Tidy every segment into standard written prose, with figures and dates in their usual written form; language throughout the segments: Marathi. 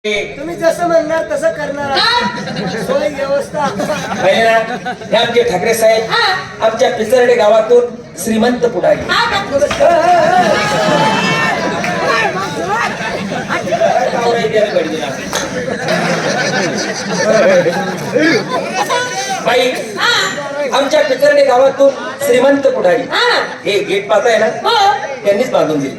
तुम्ही जसं म्हणणार तसं करणार. सोय व्यवस्था हे आमचे ठाकरे साहेब आमच्या पिचर्डे गावातून श्रीमंत पुढारी. बाई आमच्या पिचर्डे गावातून श्रीमंत पुढारी हे गेट पाहताय ना त्यांनीच बांधून दिले.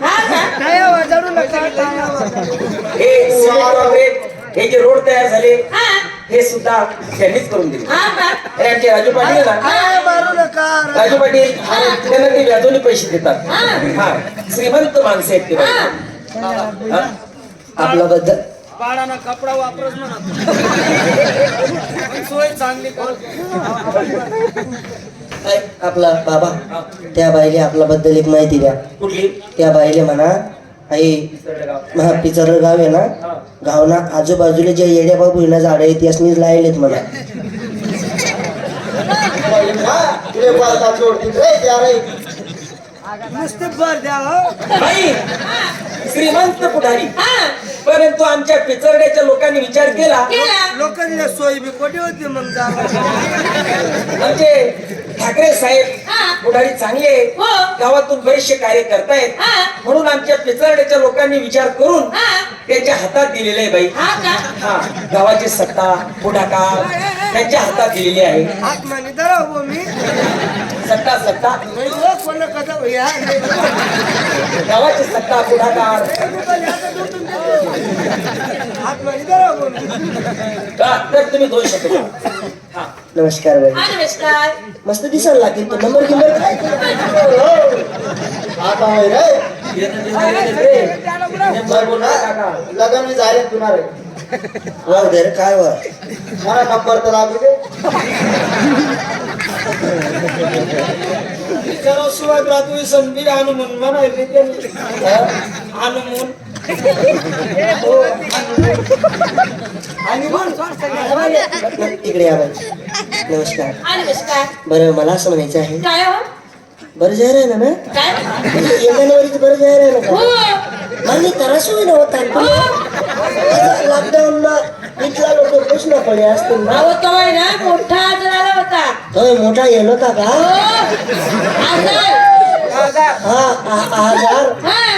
हे जे रोड तयार झाले हे सुद्धा त्यांनीच करून दिले. आणि आमचे राजू पाटील ना राजू पाटील त्यांना ते व्याजोनी पैसे देतात. हा श्रीमंत माणसे आहेत ते. आपला बद्दल पाडाना कपडा वापरच म्हणा. सोय चांगली आपला बाबा त्या बाईले आपल्या बद्दल एक माहिती द्या. कुठली? त्या बाईले म्हणा आई पिचर गाव आहे ना गावना आजूबाजूला जे येड्या बाबू हिना झाड आहे त्यासनीच लायलेत मला. नुसते भर द्या. श्रीमंत पुढारी परंतु आमच्या पिचरड्याच्या लोकांनी विचार केला लोकांनी सोयी बी कोठे होती मग आमचे ठाकरे साहेब पुढारी चांगले गावातून बरेचसे कार्य करतायत म्हणून आमच्या पिचरड्याच्या लोकांनी विचार करून त्यांच्या हातात दिलेले आहे बाई. हा गावाची सत्ता पुढाकार त्यांच्या हातात दिलेली आहे. आत्माने धराव मी सत्ता सत्ता कोण कसा भैया गावाची सत्ता पुढाकार आत्माने धराव तर तुम्ही दोन शब्द. नमस्कार बाई. नमस्कार. मस्त दिसायला लागेल तो नंबर किंमत काय लगन मी जाहिरात होणार आहे. वर दे रे काय वर मला नंबर तर लागू दे. शिवाय ग्रॅज्युएशन बी आणून म्हणायचे आणून इकडे या बाई. नमस्कार. नमस्कार. बरं मला असं म्हणायचं आहे काय हो? बरं जाहीर आहे ना ना काय? 1 जानेवारीचं बरं जाहीर आहे ना हो. का मला त्रास होई ना होता लॉकडाऊन ना इथला लोक प्रश्न पडे असतील ना. अहो तो आहे ना मोठा आजार आला होता. होय मोठा येलो होता का. हो. आजार. हा आजार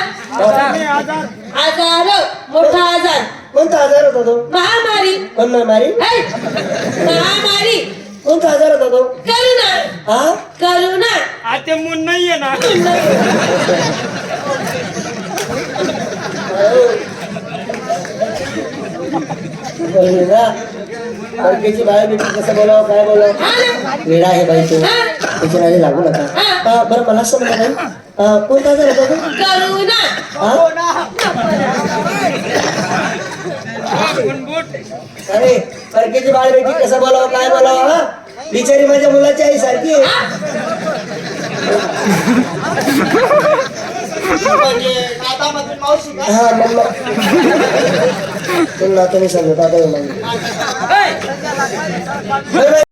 आजार मोठा आजार. कोणता आजार होता तो. महामारी. कोण महामारी. महामारी. कोणता आजार होता तो. करुणा. हा करुणा. आता मून नाहीये ना. बायकेची बाय बेटी कसं बोलावं काय बोलावं वेळा आहे बाई तू त्याच्या नादी लागू नका. बरं मला असं म्हणा बाई कोणता आजार होता तो. करुणा. अरे परकेची बाळ बेटी कसं बोलावं काय बोलावं. हा बिचारी माझ्या मुलाची आई सारखी आहे. हा मग तुला तुम्ही समजत आता